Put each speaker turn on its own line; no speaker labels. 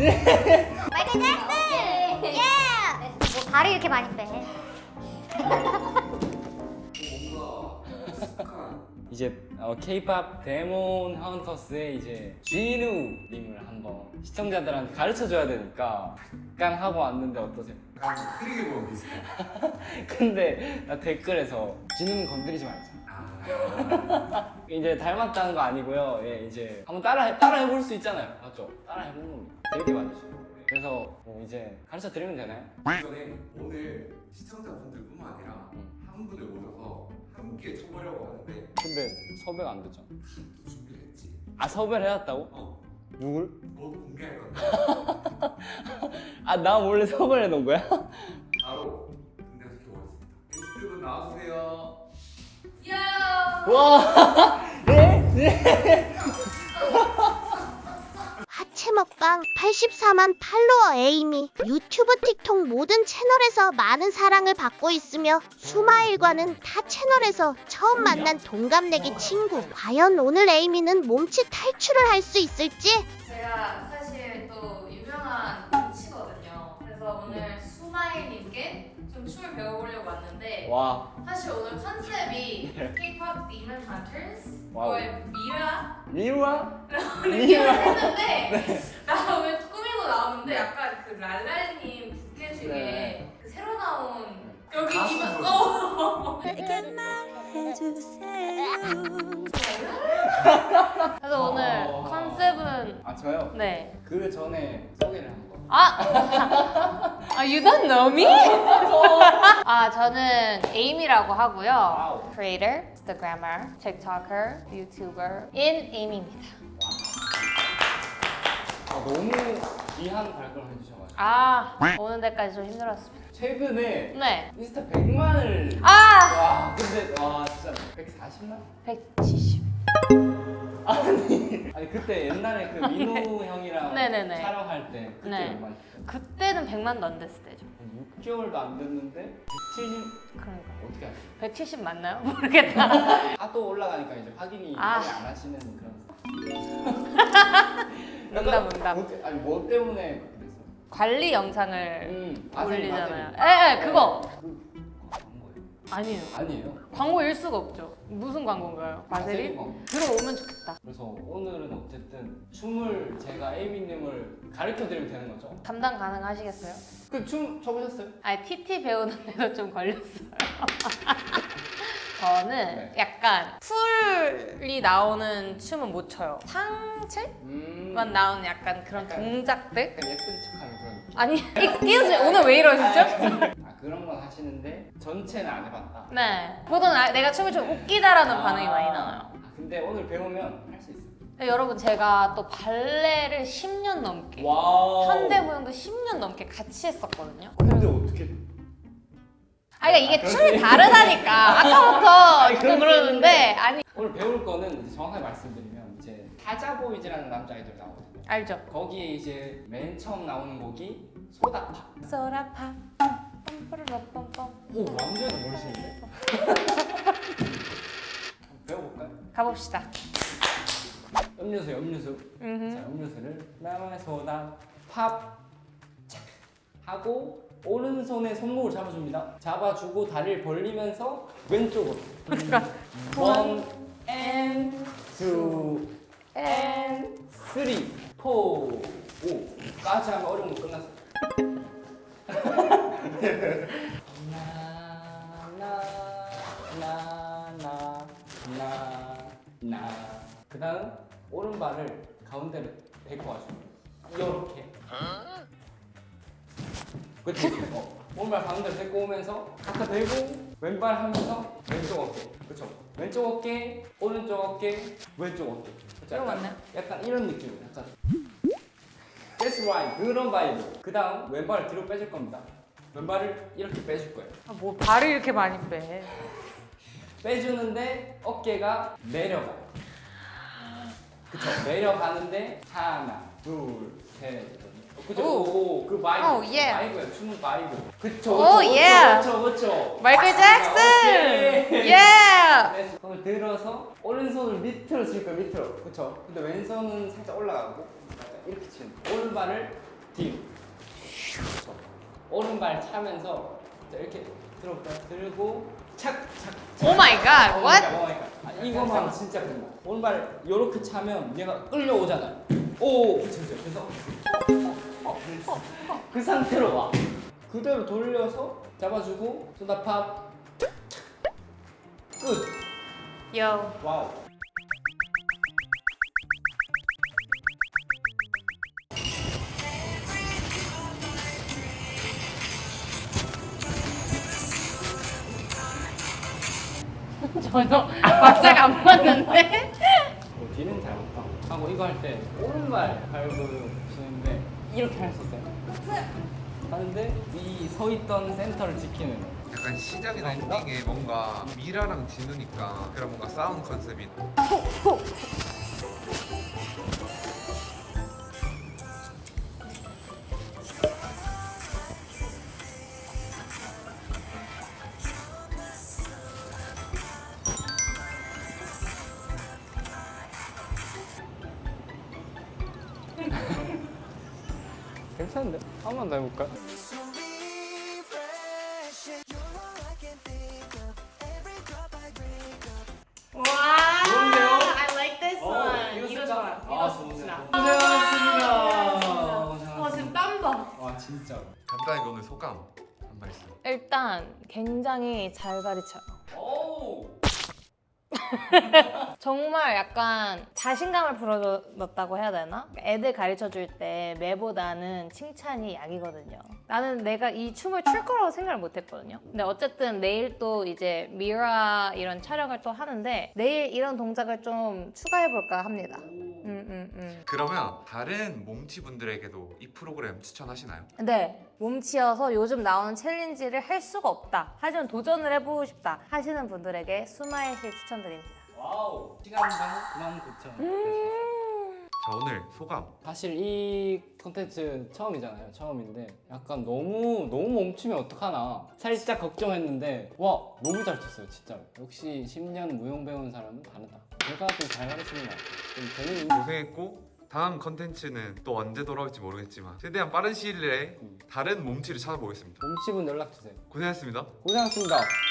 마이클 잭슨! 예! 뭐 발이 이렇게 많이 빼?
이제 K-pop 데몬 헌터스의 이제 진우님을 한번 시청자들한테 가르쳐줘야 되니까 약간 하고 왔는데 어떠세요?
약간 흐리게 보면 비슷해.
근데 나 댓글에서 진우는 건드리지 말자. 이제 닮았다는 거 아니고요. 예, 이제 한번 따라해볼 수 있잖아요. 맞죠? 따라해보는 겁니다. 재밌게 봐주시고. 그래서 뭐 이제 가르쳐 드리면 되나요?
그 전에 오늘 시청자분들뿐만 아니라 한 분을 모셔서 함께 쳐보려고 하는데
근데 섭외가 안 됐잖아.
또 준비를 했지.
아, 섭외를 해놨다고? 누굴?
너도 공개할 건데
아, 나 몰래 섭외를 해놓은 거야?
바로 등장 시켜보겠습니다. 게스트분 나와주세요.
와! 예?
하체 먹방 84만 팔로워 에이미 유튜브 틱톡 모든 채널에서 많은 사랑을 받고 있으며 수마일과는 타 채널에서 처음 만난 동갑내기 친구. 과연 오늘 에이미는 몸짓 탈출을 할 수 있을지?
제가 사실 또 유명한 코치거든요. 그래서 오늘 수마일님께 좀 춤을 배워보려고 왔는데
와.
사실 오늘 컨셉이 K-pop Demon Hunters
와우.
거의 미라
미우야?
느낌을 했는데 나 오늘 꾸미고 나오는데 약간 그 랄랄님 부캐 중에
네.
그 새로 나온 여기
가수
이만 그래서 오늘 컨셉은
아, 저요?
네.
그 전에 소개를 한번.
You don't know me? 저는 에이미라고 하고요.
와우.
Creator, Instagrammer, TikToker, YouTuber 인 에이미입니다.
너무 귀한 발걸음 해주셔가지고.
오는 데까지 좀 힘들었습니다.
최근에
네.
인스타 100만을.
아!
와, 근데, 와, 진짜 140만?
170.
아니, 그때 옛날에 그 민호 형이랑
네네네.
촬영할 때 그때
네.
몇 만?
그때는 100만도 안 됐을 때죠.
6개월도 안 됐는데 170
그러니까.
어떻게 하세요?
170 맞나요? 모르겠다.
하도 올라가니까 이제 확인이
아.
많이 안 하시는 그런.
농담.
아니 뭐 때문에 그렇게 됐어요?
관리 영상을
맞아요,
올리잖아요.
맞아요.
그거.
그 광고예요?
아니에요.
아니에요.
광고일 수가 없죠. 무슨 광고인가요? 바세린?
광고.
들어오면 좋겠다.
그래서 오늘은 어쨌든 춤을 제가 에이미님을 가르쳐 드리면 되는 거죠?
담당 가능하시겠어요?
그 춤 춰보셨어요?
TT 배우는데도 좀 걸렸어요. 저는
네.
약간 풀이 나오는 춤은 못 춰요. 상체만 나오는 약간 그런
약간-
동작들?
약간 예쁜 척하는 그런 느낌.
아니, excuse me, 오늘 왜 이러시죠?
그런 건 하시는데 전체는 안 해봤다.
네. 보통 내가 춤을 좀 웃기다라는 반응이 많이 나와요.
근데 오늘 배우면 할 수 있어요.
네, 여러분, 제가 또 발레를 10년 넘게
와우.
현대무용도 10년 넘게 같이 했었거든요.
근데 어떻게?
그러니까 이게
그럴
춤이
수
다르다니까. 아까부터
아니,
좀
그럴 수
그러는데
있는데.
아니
오늘 배울 거는 이제 정확하게 말씀드리면 이제 사자보이즈라는 남자 아이돌 나오거든요.
알죠?
거기에 이제 맨 처음 나오는 곡이 소다파.
소라파 빰빠르르빰빰.
오, 완전 멋있는데? 배워볼까요?
가봅시다.
음료수. 자, 음료수를 나만의 소다 팝 착 하고 오른손에 손목을 잡아줍니다. 잡아주고 다리를 벌리면서 왼쪽으로. 원 and two and three, four, 5까지 하면 어려운 거 끝났어. 나. 그 다음 오른발을 가운데로 데리고 와줍니다. 이렇게. 그치? 오른발 가운데로 데리고 오면서 갖다 대고 왼발 하면서 왼쪽 어깨. 그쵸? 왼쪽 어깨, 오른쪽 어깨, 왼쪽 어깨. 그쵸?
이거 맞나요?
약간 이런 느낌이에요. 약간. That's right. 그런 바이브. 그 다음 왼발을 뒤로 빼줄 겁니다. 왼발을 이렇게 빼줄 거예요.
뭐 발을 이렇게 많이 빼.
빼주는데 어깨가 내려가요. 그쵸? 내려가는데 하나, 둘, 셋. 그쵸? 오, 그 바이브.
오, 예.
바이브예요. 춤은 바이브. 그쵸?
오, 예.
그쵸?
마이클 잭슨!
오케이.
예!
네, 손을 들어서 오른손을 밑으로 칠 거예요. 밑으로. 그쵸? 근데 왼손은 살짝 올라가고 약간 이렇게 치는 거예요. 오른발을 뒤로. 그렇죠. 오른발 차면서 자, 이렇게 들고 착착.
오 마이 갓. What?
이거만 진짜 끝나. 오른발 이렇게 차면 얘가 끌려오잖아요. 오, 그쵸. 그래서 그 상태로 와. 그대로 돌려서 잡아주고 소다팝 끝.
Yo.
와우.
전혀 박자가 안 맞는데?
뒤는 잘 못 가. 하고 이거 할 때 오른발 밟으시는데 이렇게 할 수 있어요. 하는데 이 서 있던 센터를 지키는.
약간 시작이나 엔딩에 뭔가 미라랑 진우니까 그런 뭔가 싸움 컨셉이
괜찮은데? 한 번 더 해볼까?
와.
좋은데요?
I like this one. 이거 좋아. 이거 좋아.
고생하셨습니다.
와 지금 땀 봐.
와 진짜.
간단하게 오늘 소감 한 말씀.
일단 굉장히 잘 가르쳐요.
오.
정말 약간 자신감을 불어넣었다고 해야 되나? 애들 가르쳐 줄 때 매보다는 칭찬이 약이거든요. 나는 내가 이 춤을 출 거라고 생각을 못 했거든요. 근데 어쨌든 내일 또 이제 미라 이런 촬영을 또 하는데 내일 이런 동작을 좀 추가해 볼까 합니다.
그러면 다른 몸치 분들에게도 이 프로그램 추천하시나요?
네, 몸치여서 요즘 나오는 챌린지를 할 수가 없다. 하지만 도전을 해보고 싶다 하시는 분들에게 스마일실 추천드립니다.
와우. 시간당 99,000원.
자 오늘 소감.
사실 이 콘텐츠 처음이잖아요. 처음인데 약간 너무 멈추면 어떡하나 살짝 걱정했는데 와 너무 잘 쳤어요 진짜로. 역시 10년 무용 배운 사람은 다르다. 제가 좀 잘 가르치는 것 같아요. 좀 재밌는.
고생했고 다음 컨텐츠는 또 언제 돌아올지 모르겠지만 최대한 빠른 시일 내에 다른 몸치를 찾아보겠습니다.
몸치분 연락 주세요.
고생했습니다.
고생하셨습니다.